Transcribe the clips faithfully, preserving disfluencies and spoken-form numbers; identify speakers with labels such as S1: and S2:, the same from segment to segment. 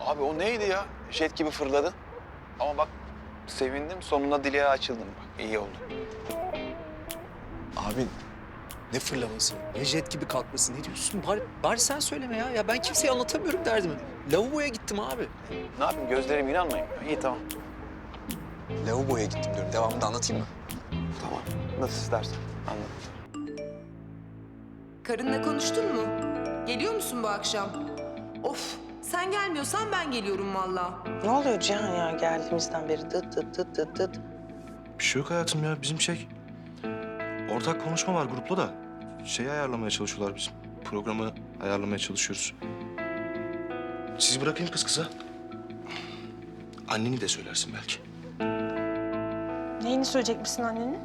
S1: Abi o neydi ya? Jet gibi fırladın. Ama bak sevindim, sonunda dileğe açıldım. Bak iyi oldu.
S2: Abi ne fırlaması, ne jet gibi kalkması, ne diyorsun? Bari, bari sen söyleme ya. Ya ben kimseye anlatamıyorum derdimi. Lavaboya gittim abi.
S1: Ne yapayım, gözlerim inanmayın. İyi tamam.
S2: Lavaboya gittim diyorum. Devamını da anlatayım mı?
S1: Tamam. Nasıl istersen. Anladım.
S3: Karınla konuştun mu? Geliyor musun bu akşam? Of, sen gelmiyorsan ben geliyorum vallahi.
S4: Ne oluyor Cihan ya geldiğimizden beri dıt dıt dıt dıt dıt.
S5: Bir şey yok hayatım ya. Bizim şey... Ortak konuşma var grupla da. Şeyi ayarlamaya çalışıyorlar bizim. Programı ayarlamaya çalışıyoruz. Sizi bırakayım kız kıza. Anneni de söylersin belki.
S4: Neyini söyleyecekmişsin annenin?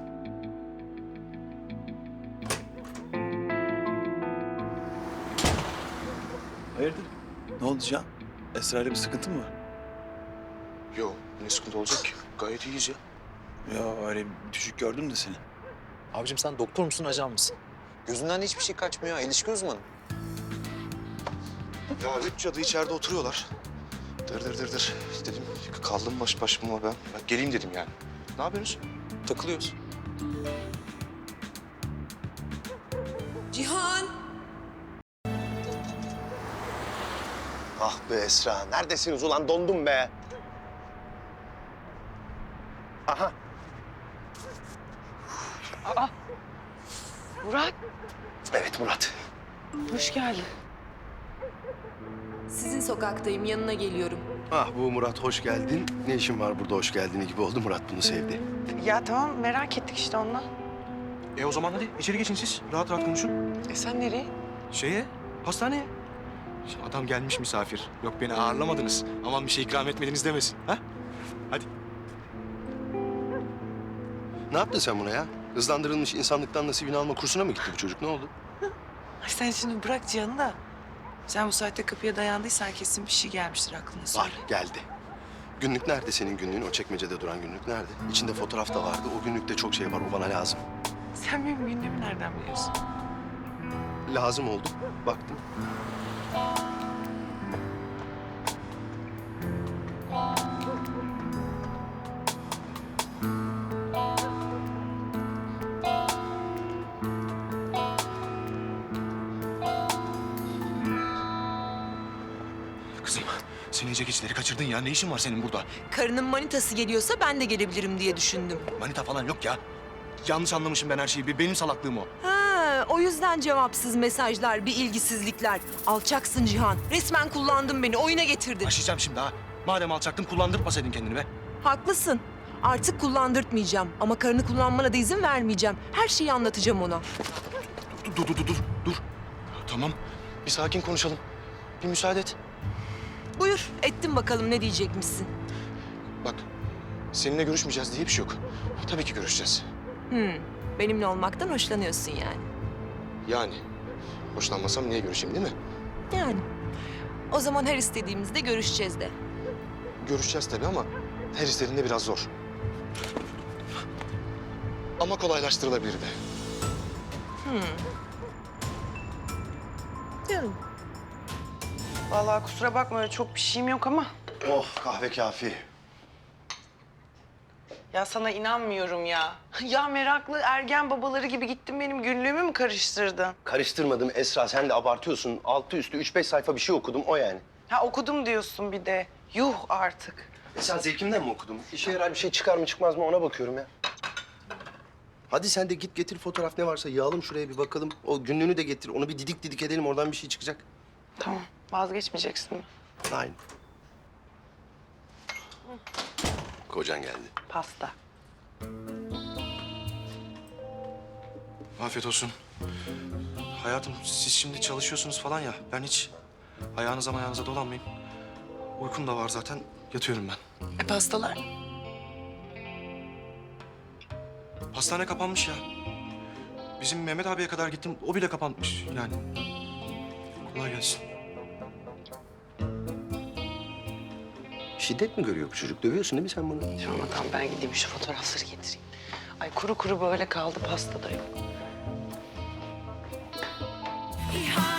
S1: Hayırdır? Ne oldu Can? Esra'yla bir sıkıntı mı var?
S5: Yok, ne sıkıntı olacak ki? Gayet iyiyiz ya.
S1: Ya öyle bir düşük gördüm de seni.
S2: Abicim sen doktor musun, ajan mısın? Gözünden de hiçbir şey kaçmıyor ha. İlişki uzmanı.
S5: Ya üç cadı içeride oturuyorlar. Dır dır dır dır. Dedim kaldım baş başıma ben. Ben geleyim dedim yani. Ne yapıyorsunuz?
S2: Takılıyoruz.
S3: Cihan!
S6: Ah be Esra, neredesiniz ulan? Dondum be. Aha,
S4: Murat,
S6: evet Murat.
S4: hoş geldin.
S3: Sizin sokaktayım, yanına geliyorum.
S7: Ah bu Murat hoş geldin. Ne işin var burada hoş geldin gibi oldu. Murat bunu sevdi.
S4: Ya tamam merak ettik işte onunla.
S5: E o zaman hadi içeri geçin siz. Rahat rahat konuşun.
S4: E sen nereye?
S5: Şeye, hastaneye. Şimdi adam gelmiş misafir. Yok beni ağırlamadınız. Aman bir şey ikram etmediniz demesin. Ha? Hadi.
S7: Ne yaptın sen buna ya? Hızlandırılmış insanlıktan nasibini alma kursuna mı gitti bu çocuk? Ne oldu?
S4: Ay sen şimdi bırak Cihan'ı da. Sen bu saatte kapıya dayandıysan kesin bir şey gelmiştir aklına söyle.
S7: Var, geldi. Günlük nerede senin günlüğün? O çekmecede duran günlük nerede? İçinde fotoğraf da vardı. O günlükte çok şey var. O bana lazım.
S4: Sen benim gündemi nereden biliyorsun?
S7: Lazım oldu. Baktım.
S5: Kızım, sen iyice geçleri kaçırdın ya. Ne işin var senin burada?
S3: Karının manitası geliyorsa ben de gelebilirim diye düşündüm.
S5: Manita falan yok ya. Yanlış anlamışım ben her şeyi. Bir Benim salaklığım o.
S3: Ha, o yüzden cevapsız mesajlar, bir ilgisizlikler. Alçaksın Cihan. Resmen kullandın beni, oyuna getirdin.
S5: Başlayacağım şimdi ha. Madem alçaktın kullandırtmasaydın kendini be.
S3: Haklısın. Artık kullandırtmayacağım ama karını kullanmana da izin vermeyeceğim. Her şeyi anlatacağım ona.
S5: Dur, dur, dur, dur, dur. dur. Tamam, bir sakin konuşalım. Bir müsaade et.
S3: Buyur, ettim bakalım ne diyecekmişsin.
S5: Bak, seninle görüşmeyeceğiz diye bir şey yok. Tabii ki görüşeceğiz.
S3: Hmm, benimle olmaktan hoşlanıyorsun yani.
S5: Yani, hoşlanmasam niye görüşeyim değil mi?
S3: Yani. O zaman her istediğimizde görüşeceğiz de.
S5: Görüşeceğiz tabii ama her istediğinde biraz zor. Ama kolaylaştırılabilir de.
S3: Canım.
S4: Vallahi kusura bakma öyle çok bir şeyim yok ama.
S7: Oh kahve kafi.
S4: Ya sana inanmıyorum ya. Ya meraklı ergen babaları gibi gittin benim günlüğümü mü karıştırdın?
S6: Karıştırmadım Esra, sen de abartıyorsun. Altı üstü üç beş sayfa bir şey okudum, o yani.
S4: Ha okudum diyorsun bir de. Yuh artık.
S6: E sen zevkimden mi okudum? İşe yarar bir şey çıkar mı çıkmaz mı ona bakıyorum ya.
S7: Hadi sen de git getir fotoğraf ne varsa yığalım şuraya bir bakalım. O günlüğünü de getir. Onu bir didik didik edelim. Oradan bir şey çıkacak.
S4: Tamam vazgeçmeyeceksin mi?
S7: Aynı. Kocan geldi.
S4: Pasta.
S5: Afiyet olsun. Hayatım, siz şimdi çalışıyorsunuz falan ya. Ben hiç ayağınıza ayağınıza dolanmayayım. Uykum da var zaten. Yatıyorum ben.
S4: E pastalar?
S5: Hastane kapanmış ya. Bizim Mehmet abiye kadar gittim. O bile kapanmış yani. Kolay gelsin.
S7: Şiddet mi görüyor bu çocuk? Dövüyorsun değil mi sen bunu?
S4: Tamam tamam ben gideyim şu fotoğrafları getireyim. Ay kuru kuru böyle kaldı pasta da yok.
S3: İhanet.